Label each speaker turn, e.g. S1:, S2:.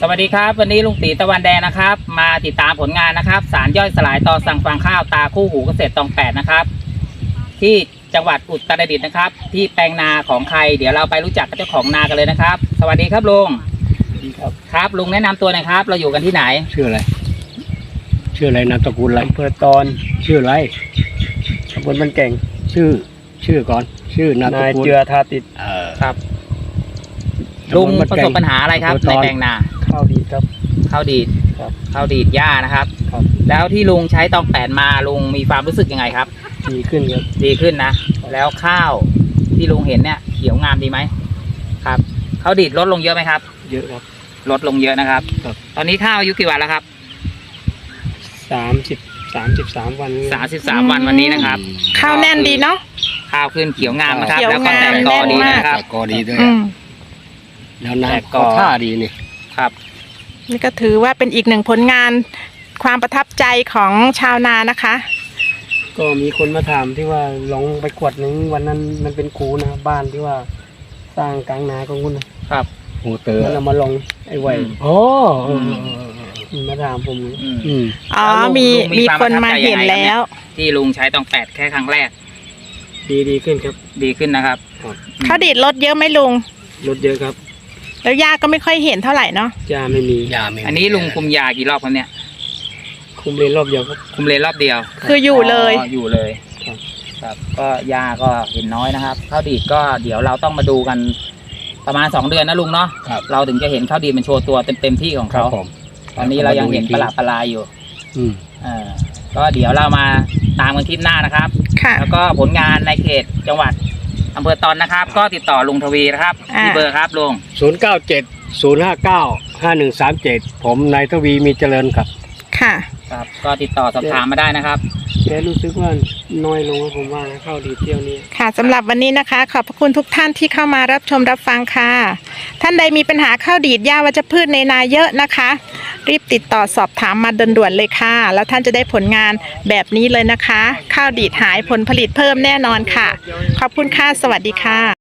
S1: วัสดีครับวันนี้ลุงตีตะวันแดงนะครับมาติดตามผลงานนะครับสารย่อยสลายต่อสั่งฟางข้าวตาคู่หูเกษตรตองแปดนะครับที่จังหวัดอุตรดิตถ์นะครับที่แปลงนาของใครเดี๋ยวเราไปรู้จักกับเจ้าของนากันเลยนะครับสวัสดีครับลุง
S2: สวัสดีครับ
S1: ครับลุงแนะนำตัวหน่อยครับเราอยู่กันที่ไหน
S2: ชื่ออะไรนามสกุลอะไรอำเภอตอนชื่ออะไรตำบลบ้านแก่งชื่อก่อนชื่อนามสกุล
S3: นายเจือทาติด
S1: ครับลุงประสบปัญหาอะไรครับในแปลงนา
S3: ข้าวดีครับ
S1: ข้าวดีด
S3: ครับ
S1: ข้าวดีดหญ้านะครับ
S3: ครับ
S1: แล้วที่ลุงใช้ตองแปดมาลุงมีความรู้สึกยังไงครับ
S3: ดีขึ้นครับ
S1: ดีขึ้นนะแล้วข้าวที่ลุงเห็นเนี่ยเขียวงามดีไหมครับข้าวดีดลดลงเยอะไหมครับ
S3: เยอะครับ
S1: ลดลงเยอะนะครับตอนนี้ข้าวอายุกี่วันแล้วครับ
S3: 33 วัน
S1: 33 วันวันนี้นะครับ
S4: ข้าวแน่นดีเนาะ
S1: ข้าวขึ้นเขียวงามนะครับ
S4: แล้วก็แตก
S1: กอดีนะครับ
S2: กอดีด้วยแล้วน้ำก็ท่าดีนี่
S1: ครับ
S4: นี่ก็ถือว่าเป็นอีกหนึ่งผลงานความประทับใจของชาวนานะคะ
S3: ก็มีคนมาถามที่ว่าลองไปกวดนึงวันนั้นมันเป็นคูนะบ้านที่ว่าสร้างกลางนาของคุณ
S1: ครับ
S2: โหเตอร์
S3: แล้วเรามาลองไอ้ไว้มาถามผม
S4: อ๋อมีคนมาเห็นแล้ว
S1: ที่ลุงใช้ตองแปดแค่ครั้งแรก
S3: ดีขึ้นครับ
S1: ดีขึ้นนะครับ
S4: ข้าวดีดลดเยอะไหมลุง
S3: ลดเยอะครับ
S4: แล้วยาก็ไม่ค่อยเห็นเท่าไหร่เนาะ
S3: ยาไม่มี
S1: อันนี้ลุงคุมยากี่รอบครับเนี่ย
S3: คุมเลนรอบเดียวครับ
S1: คุมเลนรอบเดียว
S4: คืออยู่เลย
S1: อยู่เลยครับก็ยาก็เห็นน้อยนะครับข้าวดีดก็เดี๋ยวเราต้องมาดูกันประมาณ2 เดือนนะลุงเนาะเราถึงจะเห็นข้าวดีดมันโชว์ตัวเต็มที่ของเขาตอนนี้เรายังเห็นประหลาดอยู่ก็เดี๋ยวเรามาตามกันคลิปหน้านะครับแล้วก็ผลงานในเขตจังหวัดอำเภอตอนนะครับก็ติดต่อลุงทวีนะครับที่เบอร์ครับลุง
S2: 0970595137ผมนายทวีมีเจริญครับ
S1: ครับก็ติดต่อสอบถามมาได้นะครับ
S3: แต่รู้สึกว่าน้อยลงผมว่าข้าวดีเที่ยวนี้
S4: ค่ะสำหรับวันนี้นะคะขอบพระคุณทุกท่านที่เข้ามารับชมรับฟังค่ะท่านใดมีปัญหาข้าวดีดหญ้าวัชพืชในนาเยอะนะคะรีบติดต่อสอบถามมาด่วนๆเลยค่ะแล้วท่านจะได้ผลงานแบบนี้เลยนะคะข้าวดีดหายผลผลิตเพิ่มแน่นอนค่ะขอบคุณค่ะสวัสดีค่ะ